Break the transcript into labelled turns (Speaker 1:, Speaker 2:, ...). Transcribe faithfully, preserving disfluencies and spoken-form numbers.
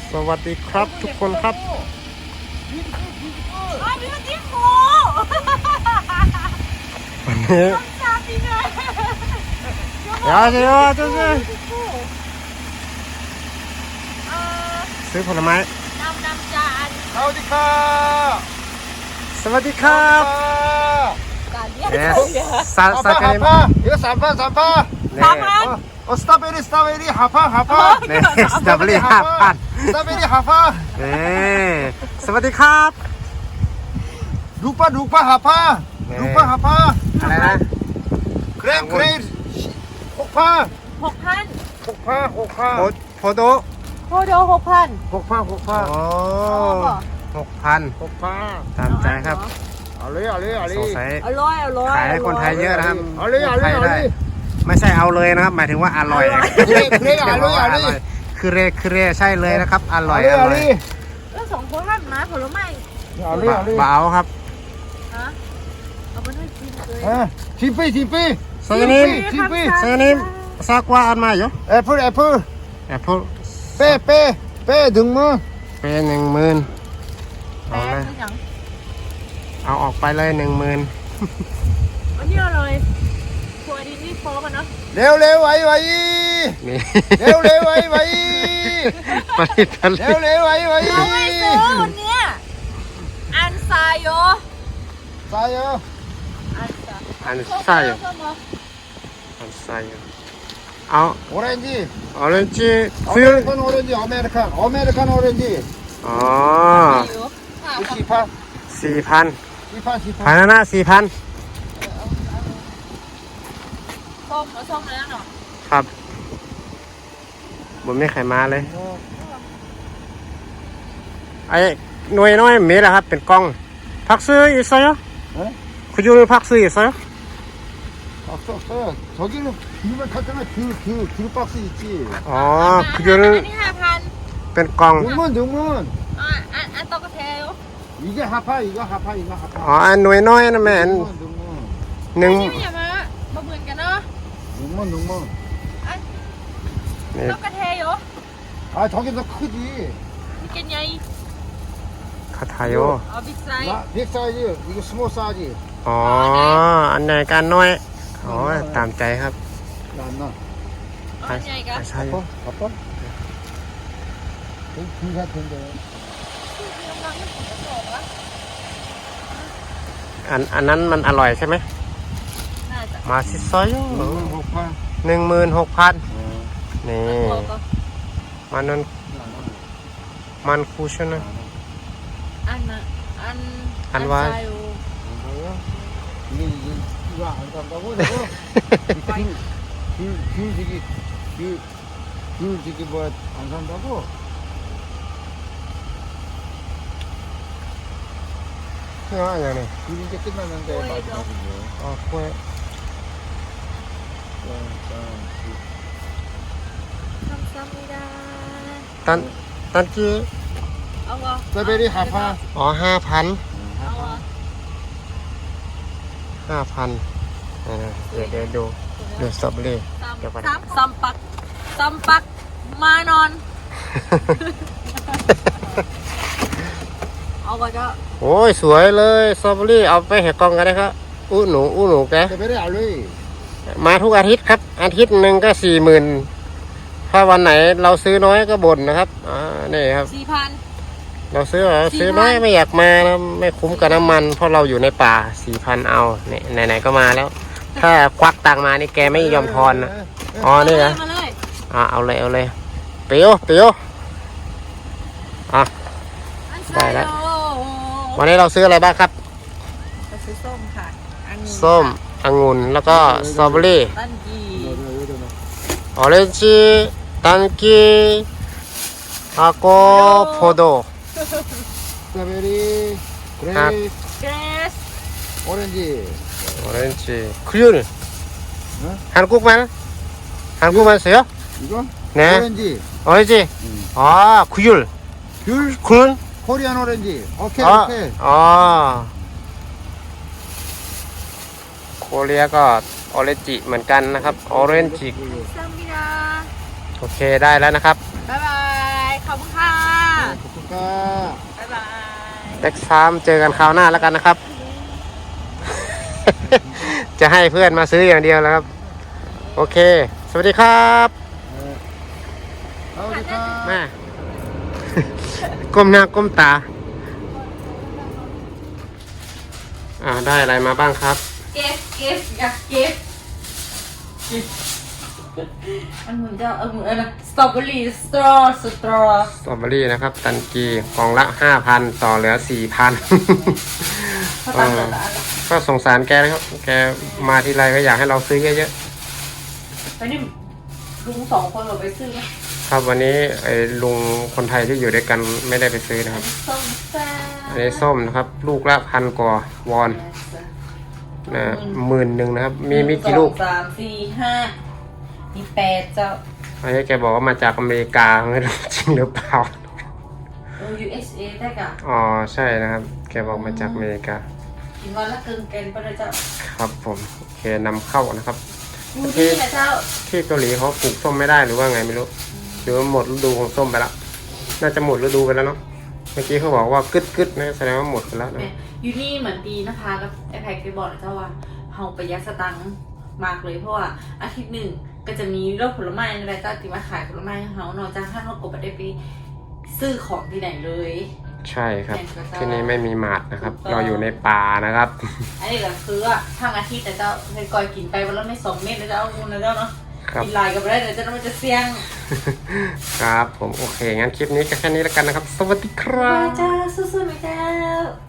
Speaker 1: สวัสดีครับทุกคนครับ
Speaker 2: วันนี้วันที่โฟ
Speaker 1: วันนี้
Speaker 2: สามปีเลย
Speaker 1: เดี๋ยวเดี๋ยวจะซื้อผลไม้
Speaker 2: นำนำจาน
Speaker 3: สวัสดีครับ
Speaker 1: สวัสดีครับ
Speaker 2: การเรียก
Speaker 1: เอ
Speaker 2: เขาเยอะ
Speaker 1: สซาซาเกม
Speaker 3: 이거 삼판 삼판
Speaker 2: สามพัน
Speaker 3: 어 스트로베리 스트로베리 하파 하파
Speaker 1: เนี่ยสตรอเบอรี่ห้าพัน
Speaker 3: 스트로베리 하파
Speaker 1: เนี่ยสวัสดีครับ
Speaker 3: 룩파 룩파 하파 룩파 하파
Speaker 1: อะไรนะ
Speaker 3: 크렘 크렘 혹파
Speaker 2: หกพัน
Speaker 3: 혹파 혹파
Speaker 1: โพโพโด
Speaker 2: โคโดหกพัน
Speaker 3: 혹파 혹파
Speaker 1: โอ้หกพัน
Speaker 3: 혹파
Speaker 1: ตามใจครับ
Speaker 3: 알리 알리
Speaker 1: สงสั
Speaker 3: 알리
Speaker 1: ย
Speaker 2: อร่อยอร่อย
Speaker 1: ขายให้คนไทยเยอะนะครับ
Speaker 3: 알리
Speaker 1: ไทย
Speaker 3: 알리
Speaker 1: ได้
Speaker 3: 알리
Speaker 1: ไม่ใช่เอาเลยนะครับ หมายถึงว่าอร่อย
Speaker 3: เครเครอร่อยอร่อย
Speaker 1: คือเรคือเรใช่เลยนะครับ อร่อย
Speaker 3: 알리
Speaker 1: อร่อย
Speaker 3: 알리
Speaker 2: แล้วสองคนท่านมาผลไม้
Speaker 3: 알리 알리
Speaker 1: เบาครับ
Speaker 2: ฮะเอาไปให้กินเลย
Speaker 3: 아 진피 진피
Speaker 1: สยานิม
Speaker 3: 진피
Speaker 1: สยานิมซากว่าอันมาอยู่
Speaker 3: 애플 애플
Speaker 1: แอปเปิล
Speaker 3: 빼 빼 빼 등문
Speaker 1: เป็นหนึ่งหมื่น
Speaker 2: แป
Speaker 1: เอา
Speaker 2: ล
Speaker 1: เลย
Speaker 2: คืออย่าง
Speaker 1: เอาออกไปเลยหนึ่งหมื่น
Speaker 2: อันนี้เลยครัวดีนี่โฟกันเนาะ
Speaker 3: เร็วเร็วไวไว
Speaker 1: นี่
Speaker 3: เร็วเร็วไวไว
Speaker 1: ผลิตผลิ
Speaker 3: เร็ว
Speaker 1: ต
Speaker 3: เร็วไวไว
Speaker 2: เราไม่ซื้อวันเนี้ยอันซายโย
Speaker 3: ตายอ่ะ
Speaker 2: อันซา
Speaker 1: อันใส่อันใส่เอา
Speaker 3: โอเรนจิ
Speaker 1: ออเรนจิ
Speaker 3: อเม
Speaker 1: ฟิล
Speaker 3: ริกันโอเรนจิอเมริกันอเมริกันโอเรนจิ
Speaker 1: อ๋อ
Speaker 3: สี่พัน
Speaker 1: สี่พัน
Speaker 3: สี่พันสี่พั
Speaker 1: พัน
Speaker 3: น
Speaker 1: นะสี่พัน
Speaker 2: ส้มแล้วส้มแล้วเนาะ
Speaker 1: ครับผมไม่ไขมาเลยไอ้หน่วยน้อยมีแล้วครับเป็นกล้องพักซื้ออีกสักคุณยูพักซื้ออีกสัก
Speaker 3: 없어 없어 저기는 길만 갔잖아 길 길 길 박스 있지
Speaker 1: อ๋อคุณยู
Speaker 2: อันนี้ห้าพัน
Speaker 1: เป็นกล้อง
Speaker 3: 등문 등문
Speaker 2: อ่าอันอันโตกระเทล
Speaker 3: 이게 하파 이거 하파 이거
Speaker 1: อ๋อ
Speaker 3: 하파
Speaker 1: อันหน่วยน้อยนะแม่อัน
Speaker 3: 등문 등문
Speaker 1: หนึ่ง
Speaker 2: นี่ไม่อย่ามามาเหมือนกันเนาะ
Speaker 3: 등문 등문
Speaker 2: อัน
Speaker 1: นี่
Speaker 2: โตกระเทลอยู่
Speaker 3: 아 저기 더 크지
Speaker 2: มีกันใหญ่
Speaker 1: คาทายโย
Speaker 2: เอาบิ๊กไซส์
Speaker 3: 나 빅 사이즈 이거 스몰 사이즈
Speaker 1: อ๋อ อันไหนกันน้อย อ๋อ ตามใจครับ
Speaker 3: 나 안 나.
Speaker 2: เอาใหญ่กัน
Speaker 1: ใช่
Speaker 3: 아빠? 아빠? 여기 길 같은데.
Speaker 1: อันอันนั้นมันอร่อยใช่ไหม
Speaker 2: น่าจะ
Speaker 3: 음,
Speaker 1: มาซิซอย
Speaker 3: 호파.
Speaker 1: หนึ่งหมื่นหกพัน
Speaker 3: 어.
Speaker 1: นี่
Speaker 2: ตัวก็
Speaker 1: มันนั้นมันคูชนะ
Speaker 2: อันน่ะอัน
Speaker 1: อันว่า
Speaker 2: ไซอยู่
Speaker 3: 뭐야? 이게 이게 이거 안 산다고 내가? 길, 길, 길 저기 길, 길 저기 뭐야 안 산다고?
Speaker 1: เพื่ออะไรเนี่ย
Speaker 3: 길 이제 끝났는데
Speaker 2: 뭐예요?
Speaker 3: 마지막이죠.
Speaker 1: อ๋อกล้วย
Speaker 3: 짠, 짠, 길.
Speaker 2: ทำซ้ำไม่ได้
Speaker 1: ตันตันกี้
Speaker 2: เอาวะ
Speaker 3: 스트로베리 하파.
Speaker 1: อ๋อห้าพัน
Speaker 2: เอาวะ
Speaker 1: ห้าพันเดี๋ยวเดี๋ยวดูดูสตรอเบอรี่ เดี๋ยวก่อน
Speaker 2: ซ้ำซ้ำปักซ้ำปักมานอน เอาวะก็
Speaker 1: โอ้ยสวยเลยสตรอเบอรี่เอาไปเห็ดกล่องกันได้ครับอู้หนูอู้หนูแก
Speaker 3: 스트로베리 알로이.
Speaker 1: มาทุกอาทิตย์ครับ อาทิตย์หนึ่งก็สี่หมื่นถ้าวันไหนเราซื้อน้อยก็บ่นนะครับอ่านี่ครับ
Speaker 2: สี่พัน
Speaker 1: เราซื้อเหรอ
Speaker 2: สี่พัน
Speaker 1: ซื้อน้อยไม่อยากมานะไม่คุ้มกับน้ำมัน เพราะเราอยู่ในป่าสี่พันเอาเนี่ยไหนๆก็มาแล้ว ถ้าควักตังค์มานี่แกไม่ยอมทอนนะอ๋อนี่นะ
Speaker 2: มาเลย
Speaker 1: อ่าเอาเลยเอาเลยเปียวเปียวอ่ะ
Speaker 2: อันไซ
Speaker 1: ได้แล้ว
Speaker 2: โย
Speaker 1: วันนี้เราซื้ออะไรบ้างครับ
Speaker 2: เราซื้อส้มค่ะอันนี้
Speaker 1: ส้มองุ่นแล้วก็สตรอเบอรี่
Speaker 2: ตันกี
Speaker 1: ออเรนจิตันกีอาโกโพโด
Speaker 3: 스트로베리, 그레이스,
Speaker 2: เกรส
Speaker 3: 오렌지.
Speaker 1: ออเรนจิคุยุน
Speaker 3: 응?
Speaker 1: 한국말 한국말 써요?
Speaker 3: 이거?
Speaker 1: 네.
Speaker 3: 오렌지.
Speaker 1: 어이지
Speaker 3: 응.
Speaker 1: 아 구율
Speaker 3: 귤,
Speaker 1: 군
Speaker 3: 코리안 오렌지. 오케이,
Speaker 1: 아,
Speaker 3: 오케이.
Speaker 1: 아โคเรียก็ออเรนจิเหมือนกันนะครับออเรนจิ
Speaker 2: ซัมบิดา
Speaker 1: โอเคได้แล้วนะครับ
Speaker 2: บ๊ายบาย ขอบคุณค่ะ
Speaker 3: ค่ะ
Speaker 2: บ๊ายบาย
Speaker 1: เด็กสามเจอกันคราวหน้าแล้วกันนะครับ จะให้เพื่อนมาซื้ออย่างเดียวแล้วครับ โอเค สวัสดีครับ
Speaker 3: เออสวัสดีค่ะ
Speaker 1: แม่ ก้มหน้าก้มตา อ่าได้อะไรมาบ้างครับ
Speaker 2: เก็บเก็บอยากเก็บมันเหมือนจะเอาเหมือนอะไรสตรอเบอรี่สตรอสตรอ
Speaker 1: สตรอเบอรี่นะครับ ตันกีกล่องละห้าพันต่อเหลือสี่พัน
Speaker 2: เขาตัดเหลือละอันละ
Speaker 1: ก็สงสารแกนะครับ แกมาทีไรก็อยากให้เราซื้อเยอะ
Speaker 2: ไปนี่ลุงสองคนเราไปซื้อไหม
Speaker 1: ๆ ครับวันนี้ไอ้ลุงคนไทยที่อยู่ด้วยกันไม่ได้ไปซื้อนะครับ
Speaker 2: ส้มซ่า
Speaker 1: อันนี้ส้มนะครับ ลูกละพันกว่าวอนนะหมื่นหนึ่งนะครับ มีมีกี่ลูก
Speaker 2: สองสามสี่ห้ามีแปดเจ้า
Speaker 1: อันนี้แกบอกว่ามาจากอเมริกาไม่รู้จริงหรือเปล่า
Speaker 2: เออ ยู เอส เอ ได้กะ
Speaker 1: อ๋อใช่นะครับ แกบอกมาจากอเมริกา
Speaker 2: กินวันละเกินเกณฑ์ไปเลยเจ้า
Speaker 1: ครับผมโอเคนำเข้านะครับ
Speaker 2: ดูนี่นะเจ้า
Speaker 1: ที่เกาหลีเขาปลูกส้มไม่ได้หรือว่าไงไม่รู้หรือว่าหมดฤดูของส้มไปแล้วน่าจะหมดฤดูไปแล้วเนาะเมื่อกี้เขาบอกว่ากึดกึดๆนะแสดงว่าหมดไปแล้วนะ
Speaker 2: เนี่ยยูนี่เหมือนดีนะคะกับไอแพคไปบอกนะเจ้าว่าเฮาประหยัดสตังค์มากเลยเพราะว่าอาทิตย์หนึ่งก็จะมีรถผลไม้อะไรเจ้าที่มาขายผลไม้ให้เฮานอกจากถ้าเรากบได้ไปซื้อของที่ไหนเลย
Speaker 1: ใช่ครับ ที่นี่ไม่มีหมาดนะครับ เราอยู่ในป่านะครับ
Speaker 2: อันนี้ก็คือว่าทั้งอาทิตย์แต่เจ้าเคยก่อยกินไปวันละไม่สองเม็ดนะเจ้าคุณนะเจ้าเนาะ
Speaker 1: ครับ
Speaker 2: กินลายกับอะไรเดี๋ยวเจ้ามันจะเสี่ยง
Speaker 1: ครับผมโอเคงั้นคลิปนี้ก็แค่นี้แล้วกันนะครับ สวัสดีครับ
Speaker 2: จ้าสู้ๆไหมเจ้า